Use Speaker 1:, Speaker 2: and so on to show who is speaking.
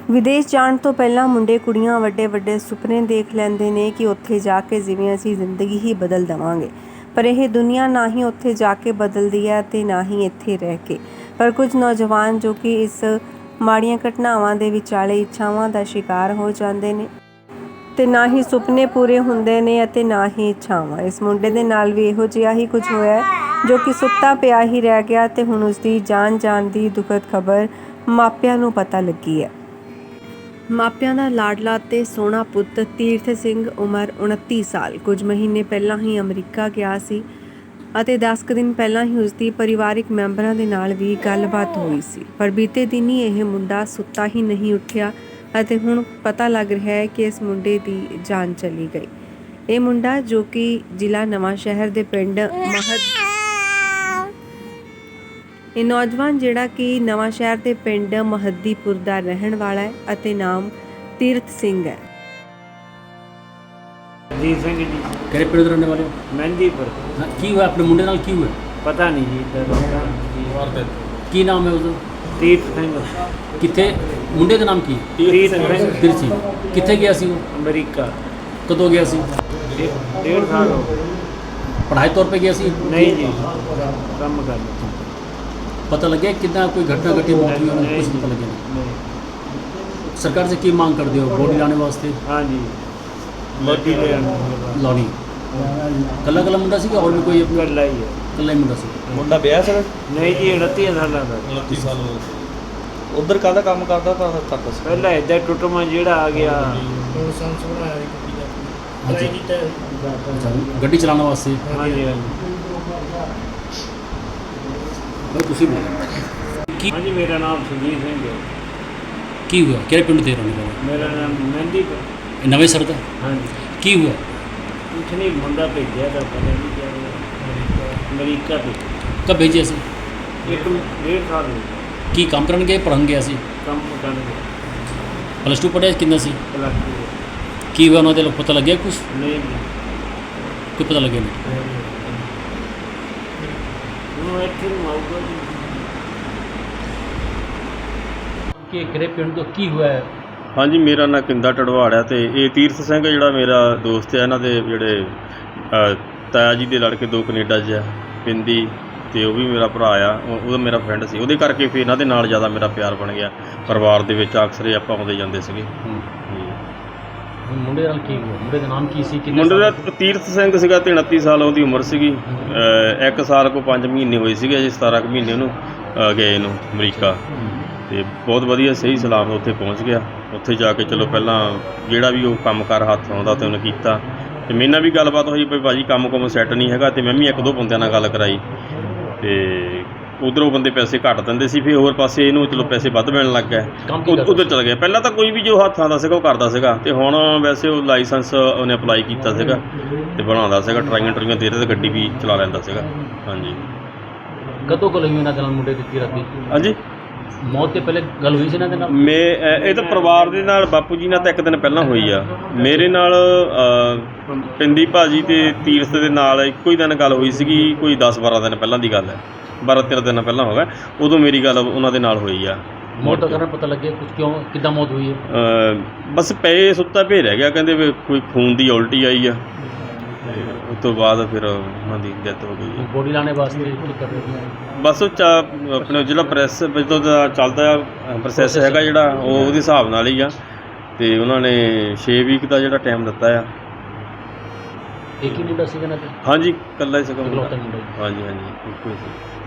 Speaker 1: ਵਿਦੇਸ਼ ਜਾਣ ਤੋਂ ਪਹਿਲਾਂ ਮੁੰਡੇ ਕੁੜੀਆਂ ਵੱਡੇ ਸੁਪਨੇ ਦੇਖ ਲੈਂਦੇ ਨੇ ਕਿ ਉੱਥੇ ਜਾ ਕੇ ਜਿਵੇਂ ਅਸੀਂ ਜ਼ਿੰਦਗੀ ਹੀ ਬਦਲ ਦੇਵਾਂਗੇ, ਪਰ ਇਹ ਦੁਨੀਆ ਨਾ ਹੀ ਉੱਥੇ ਜਾ ਕੇ ਬਦਲਦੀ ਹੈ ਅਤੇ ਨਾ ਹੀ ਇੱਥੇ ਰਹਿ ਕੇ। ਪਰ ਕੁਝ ਨੌਜਵਾਨ ਜੋ ਕਿ ਇਸ ਮਾੜੀਆਂ ਘਟਨਾਵਾਂ ਦੇ ਵਿਚਾਲੇ ਇੱਛਾਵਾਂ ਦਾ ਸ਼ਿਕਾਰ ਹੋ ਜਾਂਦੇ ਨੇ ਤੇ ਨਾ ਹੀ ਸੁਪਨੇ ਪੂਰੇ ਹੁੰਦੇ ਨੇ ਅਤੇ ਨਾ ਹੀ ਇੱਛਾਵਾਂ। ਇਸ ਮੁੰਡੇ ਦੇ ਨਾਲ ਵੀ ਇਹੋ ਜਿਹਾ ਹੀ ਕੁਝ ਹੋਇਆ ਜੋ ਕਿ ਸੁੱਤਾ ਪਿਆ ਹੀ ਰਹਿ ਗਿਆ ਤੇ ਹੁਣ ਉਸਦੀ ਜਾਨ ਦੀ ਦੁਖਦ ਖਬਰ ਮਾਪਿਆਂ ਨੂੰ ਪਤਾ ਲੱਗੀ ਹੈ। ਮਾਪਿਆਂ ਦਾ ਲਾਡਲਾ ਤੇ ਸੋਹਣਾ ਪੁੱਤ ਤੀਰਥ ਸਿੰਘ ਉਮਰ 29 ਸਾਲ ਕੁਝ ਮਹੀਨੇ ਪਹਿਲਾਂ ਹੀ ਅਮਰੀਕਾ ਗਿਆ ਸੀ ਅਤੇ 10 ਦਿਨ ਪਹਿਲਾਂ ਹੀ ਉਸਦੀ ਪਰਿਵਾਰਿਕ ਮੈਂਬਰਾਂ ਦੇ ਨਾਲ ਵੀ ਗੱਲਬਾਤ ਹੋਈ ਸੀ, ਪਰ ਬੀਤੇ ਦਿਨ ਹੀ ਇਹ ਮੁੰਡਾ ਸੁੱਤਾ ਹੀ ਨਹੀਂ ਉੱਠਿਆ ਅਤੇ ਹੁਣ ਪਤਾ ਲੱਗ ਰਿਹਾ ਹੈ ਕਿ ਇਸ ਮੁੰਡੇ ਦੀ ਜਾਨ ਚਲੀ ਗਈ। ਇਹ ਮੁੰਡਾ ਜੋ ਕਿ ਜ਼ਿਲ੍ਹਾ ਨਵਾਂ ਸ਼ਹਿਰ ਦੇ ਪਿੰਡ ਇਹ ਨੌਜਵਾਨ ਜਿਹੜਾ ਕਿ ਨਵਾਂ ਸ਼ਹਿਰ ਦੇ ਪਿੰਡ ਮਹੱਦੀਪੁਰ ਦਾ ਰਹਿਣ ਵਾਲਾ ਹੈ ਅਤੇ ਨਾਮ ਤੀਰਥ ਸਿੰਘ ਹੈ।
Speaker 2: ਜੀ ਸਿੰਘ ਜੀ
Speaker 3: ਕਿਹੜੇ ਪਿੰਡ ਦੇ ਰਹਿਣ ਵਾਲੇ ਹੋ?
Speaker 2: ਮਹਿੰਦੀਪੁਰ।
Speaker 3: ਹਾਂ, ਕੀ ਹੋਇਆ ਆਪਣੇ ਮੁੰਡੇ ਨਾਲ? ਕੀ ਹੋਇਆ
Speaker 2: ਪਤਾ ਨਹੀਂ ਜੀ।
Speaker 3: ਕੀ ਨਾਮ ਹੈ ਉਹਦਾ?
Speaker 2: ਤੀਰਥ ਸਿੰਘ।
Speaker 3: ਕਿੱਥੇ? ਮੁੰਡੇ ਦਾ ਨਾਮ ਕੀ?
Speaker 2: ਤੀਰਥ ਸਿੰਘ।
Speaker 3: ਤੀਰਥ ਸਿੰਘ। ਕਿੱਥੇ ਗਿਆ ਸੀ ਉਹ?
Speaker 2: ਅਮਰੀਕਾ।
Speaker 3: ਕਦੋਂ ਗਿਆ ਸੀ?
Speaker 2: 1.5 ਸਾਲ ਹੋ ਗਏ।
Speaker 3: ਪੜ੍ਹਾਈ ਤੌਰ पे ਗਿਆ ਸੀ?
Speaker 2: ਨਹੀਂ ਜੀ, ਕੰਮ ਕਰ।
Speaker 3: पता लगे कितना कोई घटना घटी मौत हुई? कुछ नहीं पता लगे।
Speaker 2: नहीं।
Speaker 3: सरकार से की मांग कर दियो बॉडी लाने वास्ते?
Speaker 2: हाँ जी, बॉडी
Speaker 3: लानी। कला मुंडा सी और भी कोई अपना?
Speaker 2: कला ही है।
Speaker 3: कला ही मुंडा सी।
Speaker 4: ਮੁੰਡਾ ਵਿਆਹ ਸਰ?
Speaker 2: नहीं जी, 29 साल का।
Speaker 4: 29 ਸਾਲ ਉਧਰ ਕਾਹਦਾ ਕੰਮ ਕਰਦਾ ਤਾਂ ਤੱਕ ਸੀ?
Speaker 2: ਪਹਿਲਾਂ ਇੱਦਾਂ ਟੁੱਟਮਾ ਜਿਹੜਾ ਆ ਗਿਆ।
Speaker 4: ਲਾਇਸੈਂਸ ਬਣਾਇਆ ਗੱਡੀ ਦਾ।
Speaker 3: अच्छा, गड्डी चलाने वास्ते?
Speaker 2: हाँ जी, हाँ
Speaker 3: ਤੁਸੀਂ
Speaker 2: जी। हाँ जी, मेरा नाम सुजीत सिंह है।
Speaker 3: ਕੀ हुआ? ਕਿਹੜੇ ਪਿੰਡ ਦੇ ਰਹਿਣ ਵਾਲੇ?
Speaker 2: मेरा नाम मਹਿੰਦੀਪੁਰ।
Speaker 3: ਇਹ ਨਵੇਂ ਸਰ ਦਾ?
Speaker 2: हाँ जी।
Speaker 3: ਕੀ हुआ?
Speaker 2: कुछ नहीं, मुंडा भेजा था, पता नहीं क्या हुआ। अमरीका पे।
Speaker 3: कब भेजे ਸੀ?
Speaker 2: 1.5 साल हो गए।
Speaker 3: ਕੀ ਕੰਮ ਕਰਨ ਗਏ? ਪੜ੍ਹਨ ਗਿਆ ਸੀ?
Speaker 2: ਕੰਮ ਕਰਨ ਗਏ।
Speaker 3: ਪਲੱਸ 2 ਪੜ੍ਹਿਆ ਕਿੰਨਾ ਸੀ?
Speaker 2: प्लस 2।
Speaker 3: ਕੀ ਹੋਇਆ ਉਹਨਾਂ ਦੇ? ਪਤਾ ਲੱਗਿਆ ਕੁਛ?
Speaker 2: नहीं जी।
Speaker 3: ਕੋਈ ਪਤਾ ਲੱਗਿਆ ਨਹੀਂ?
Speaker 2: ਹੁਣ ਇੱਥੇ ਨੂੰ ਆਊਗਾ ਜੀ।
Speaker 3: ਕਿ ਕਿਹੜੇ ਪਿੰਡ ਤੋਂ ਕੀ ਹੋਇਆ ਹੈ?
Speaker 5: ਹਾਂਜੀ, ਮੇਰਾ ਨਾਂ ਕਿੰਦਾ ਟੜਵਾੜ ਹੈ ਤੇ ਇਹ ਤੀਰਥ ਸਿੰਘ ਜਿਹੜਾ ਮੇਰਾ ਦੋਸਤ ਹੈ। ਇਹਨਾਂ ਦੇ ਜਿਹੜੇ ਤਾਇਆ ਜੀ ਦੇ ਲੜਕੇ 2 ਕੈਨੇਡਾ 'ਚ ਆ, ਪਿੰਦੀ, ਤੇ ਉਹ ਵੀ ਮੇਰਾ ਭਰਾ ਆ। ਉਹਦਾ ਮੇਰਾ ਫਰੈਂਡ ਸੀ, ਉਹਦੇ ਕਰਕੇ ਫਿਰ ਇਹਨਾਂ ਦੇ ਨਾਲ ਜ਼ਿਆਦਾ ਮੇਰਾ ਪਿਆਰ ਬਣ ਗਿਆ। ਪਰਿਵਾਰ ਦੇ ਵਿੱਚ ਅਕਸਰ ਹੀ ਆਪਾਂ ਆਉਂਦੇ ਜਾਂਦੇ ਸੀਗੇ।
Speaker 3: ਮੁੰਡੇ ਨਾਲ ਕੀ ਹੋਇਆ? ਮੁੰਡੇ ਦਾ ਨਾਮ ਕੀ ਸੀ?
Speaker 5: ਮੁੰਡੇ ਦਾ ਤੀਰਥ ਸਿੰਘ ਸੀਗਾ ਤੇ 29 ਸਾਲ ਉਹਦੀ ਉਮਰ ਸੀਗੀ। 1 ਸਾਲ ਕੋ 5 ਮਹੀਨੇ ਹੋਏ ਸੀਗੇ, ਅਜੇ 17 ਕੁ ਮਹੀਨੇ ਉਹਨੂੰ ਗਏ ਨੂੰ ਅਮਰੀਕਾ। ਤੇ ਬਹੁਤ ਵਧੀਆ ਸਹੀ ਸਲਾਮ ਉੱਥੇ ਪਹੁੰਚ ਗਿਆ। ਉੱਥੇ ਜਾ ਕੇ ਚਲੋ ਪਹਿਲਾਂ ਜਿਹੜਾ ਵੀ ਉਹ ਕੰਮ ਕਰ ਹੱਥ ਆਉਂਦਾ ਤੇ ਉਹਨੇ ਕੀਤਾ ਤੇ ਮੇਰੇ ਨਾਲ ਵੀ ਗੱਲਬਾਤ ਹੋਈ ਵੀ ਭਾਜੀ ਕੰਮ ਸੈੱਟ ਨਹੀਂ ਹੈਗਾ, ਤੇ ਮੈਂ ਵੀ 1-2 ਬੰਦਿਆਂ ਨਾਲ ਗੱਲ ਕਰਾਈ ਤੇ ਉਧਰੋਂ ਬੰਦੇ ਪੈਸੇ ਘੱਟ ਦਿੰਦੇ ਸੀ, ਫਿਰ ਹੋਰ ਪਾਸੇ ਇਹਨੂੰ ਚਲੋ ਪੈਸੇ ਵੱਧ ਮਿਲਣ ਲੱਗ ਗਏ। ਉਧਰ ਚਲ ਗਿਆ। ਪਹਿਲਾਂ ਤਾਂ ਕੋਈ ਵੀ ਜੋ ਹੱਥਾਂ ਦਾ ਸੀਗਾ ਉਹ ਕਰਦਾ ਸੀਗਾ, ਤੇ ਹੁਣ ਵੈਸੇ ਉਹ ਲਾਇਸੈਂਸ ਉਹਨੇ ਅਪਲਾਈ ਕੀਤਾ ਸੀਗਾ ਤੇ ਬਣਾਉਂਦਾ ਸੀਗਾ, ਟਰਾਈਆਂ ਦੇ ਰਿਹਾ ਤੇ ਗੱਡੀ ਵੀ ਚਲਾ ਲੈਂਦਾ ਸੀਗਾ। ਹਾਂਜੀ।
Speaker 3: ਕਦੋਂ ਕੋਲ ਹੋਈ ਇਹਨਾਂ ਦੇ ਨਾਲ ਮੁੰਡੇ ਦੀ ਤੀਰਥ ਦੀ?
Speaker 5: ਹਾਂਜੀ,
Speaker 3: ਮੌਤ ਤੋਂ ਪਹਿਲੇ ਗੱਲ ਹੋਈ ਸੀ ਇਹਨਾਂ ਦੇ ਨਾਲ?
Speaker 5: ਇਹ ਤਾਂ ਪਰਿਵਾਰ ਦੇ ਨਾਲ ਬਾਪੂ ਜੀ ਨਾਲ ਤਾਂ 1 ਦਿਨ ਪਹਿਲਾਂ ਹੋਈ ਆ। ਮੇਰੇ ਨਾਲ ਪਿੰਦੀ ਭਾਜੀ ਤੇ ਤੀਰਥ ਦੇ ਨਾਲ ਇੱਕੋ ਹੀ ਦਿਨ ਗੱਲ ਹੋਈ ਸੀਗੀ। ਕੋਈ 10-12 ਦਿਨ ਪਹਿਲਾਂ ਦੀ ਗੱਲ ਹੈ, 12-13 ਦਿਨ ਪਹਿਲਾਂ ਹੋ ਗਿਆ। ਉਦੋਂ ਮੇਰੀ ਗੱਲ ਉਹਨਾਂ ਦੇ ਨਾਲ ਹੋਈ ਆ।
Speaker 3: ਮੌਤ ਦਾ ਕਾਰਨ ਪਤਾ ਲੱਗਿਆ ਕੁਝ? ਕਿਉਂ ਕਿੱਦਾਂ ਮੌਤ ਹੋਈ ਹੈ?
Speaker 5: ਬਸ ਪਏ ਸੁੱਤਾ ਪਏ ਰਹਿ ਗਿਆ। ਕਹਿੰਦੇ ਵੀ ਕੋਈ ਖੂਨ ਦੀ ਉਲਟੀ ਆਈ ਆ, ਉਸ ਤੋਂ ਬਾਅਦ ਫਿਰ ਉਹਨਾਂ ਦੀ ਡੈਥ ਹੋ ਗਈ।
Speaker 3: ਬੋਡੀ ਲਾਣੇ ਵਾਸਤੇ ਕੀ ਕਰ ਰਹੇ ਹੋ?
Speaker 5: ਬਸ ਉਹ ਆਪਣੇ ਜਿਹੜਾ ਪ੍ਰੈਸ ਜਦੋਂ ਦਾ ਚੱਲਦਾ ਪ੍ਰੋਸੈਸ ਹੈਗਾ ਜਿਹੜਾ ਉਹਦੇ ਹਿਸਾਬ ਨਾਲ ਹੀ ਆ, ਤੇ ਉਹਨਾਂ ਨੇ 6 ਵੀਕ ਦਾ ਜਿਹੜਾ ਟਾਈਮ ਦਿੱਤਾ ਆ।
Speaker 3: ਇੱਕ ਹੀ ਮੁੰਡਾ ਸੀਗਾ ਨਾ?
Speaker 5: ਹਾਂਜੀ, ਇਕੱਲਾ ਹੀ ਸੀਗਾ।
Speaker 3: ਮੁੰਡਾ।
Speaker 5: ਹਾਂਜੀ, ਇੱਕੋ ਹੀ ਸੀ।